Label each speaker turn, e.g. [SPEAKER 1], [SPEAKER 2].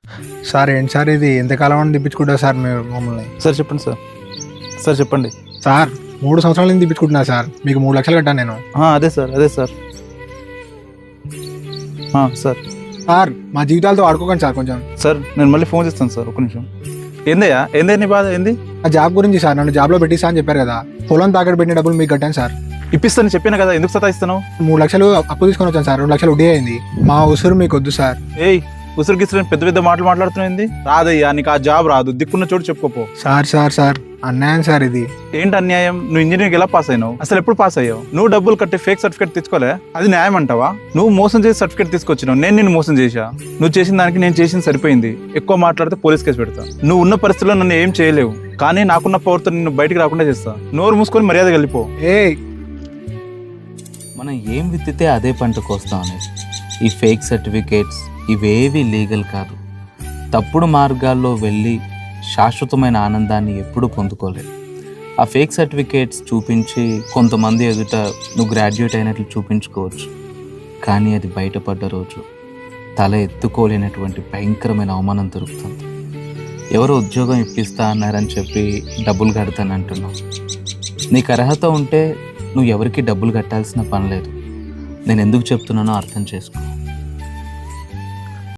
[SPEAKER 1] Sir ఏంటి sir ఇది ఎంతకాలం అని తిప్పించుకుంటారు సార్ మీరు మమ్మల్ని?
[SPEAKER 2] సార్ చెప్పండి సార్. సార్ చెప్పండి.
[SPEAKER 1] సార్ 3 సంవత్సరాల నుంచి తిప్పించుకుంటున్నా సార్, మీకు 3 లక్షలు కట్టాను నేను.
[SPEAKER 2] అదే సార్, అదే సార్. సార్
[SPEAKER 1] సార్ మా జీవితాలతో ఆడుకోకండి సార్ కొంచెం.
[SPEAKER 2] సార్ నేను మళ్ళీ ఫోన్ చేస్తాను సార్, ఒక నిమిషం. ఏందయ్యా, ఏందే నీ బాధ ఏంది?
[SPEAKER 1] ఆ జాబ్ గురించి సార్, నన్ను జాబ్లో పెట్టిస్తా అని చెప్పారు కదా, పొలం తాకట్టు పెట్టిన డబ్బులు మీకు కట్టాను సార్.
[SPEAKER 2] ఇప్పిస్తాను చెప్పాను కదా, ఎందుకు సతాయిస్తున్నావు?
[SPEAKER 1] 3 లక్షలు అప్పు తీసుకొని వచ్చాను సార్, 2 లక్షలు వడ్డీ అయింది. మా ఉసురు మీకు వద్దు సార్.
[SPEAKER 2] ఏయ్ ఉసురు గిసురు పెద్ద పెద్ద మాటలు మాట్లాడుతున్నాయింది. రాదయ్యా, నీకు ఆ జాబ్ రాదు, దిక్కున్న చోటు చెప్పుకోపో.
[SPEAKER 1] సార్ సార్ సార్ అన్యాయం సార్ ఇది.
[SPEAKER 2] ఏంటి అన్యాయం? నువ్వు ఇంజనీరింగ్ ఎలా పాస్ అయినావు? అసలు ఎప్పుడు పాస్ అయ్యావు? నువ్వు డబ్బులు కట్టి ఫేక్ సర్టిఫికేట్ తెచ్చుకోలే, అది న్యాయం అంటావా? నువ్వు మోసం చేసి సర్టిఫికేట్ తీసుకొచ్చినావు, నేను నిన్ను మోసం చేశా. నువ్వు చేసిన దానికి నేను చేసింది సరిపోయింది. ఎక్కువ మాట్లాడితే పోలీస్ కేసు పెడతా. నువ్వు ఉన్న పరిస్థితుల్లో నన్ను ఏం చేయలేవు, కానీ నాకున్న పవర్తో నిన్ను బయటికి రాకుండా చేస్తా. నోరు మూసుకొని మర్యాద వెళ్ళిపో.
[SPEAKER 3] మనం ఏం విత్తితే అదే పంట కోస్తాం అనేది. ఈ ఫేక్ సర్టిఫికేట్స్ ఇవేవి లీగల్ కాదు. తప్పుడు మార్గాల్లో వెళ్ళి శాశ్వతమైన ఆనందాన్ని ఎప్పుడూ పొందుకోలేదు. ఆ ఫేక్ సర్టిఫికేట్స్ చూపించి కొంతమంది ఎదుట నువ్వు గ్రాడ్యుయేట్ అయినట్లు చూపించుకోవచ్చు, కానీ అది బయటపడ్డ రోజు తల ఎత్తుకోలేనటువంటి భయంకరమైన అవమానం దొరుకుతుంది. ఎవరు ఉద్యోగం ఇప్పిస్తా అన్నారని చెప్పి డబ్బులు కడతానంటున్నావు. నీకు అర్హత ఉంటే నువ్వు ఎవరికి డబ్బులు కట్టాల్సిన పని లేదు. నేను ఎందుకు చెప్తున్నానో అర్థం చేసుకో.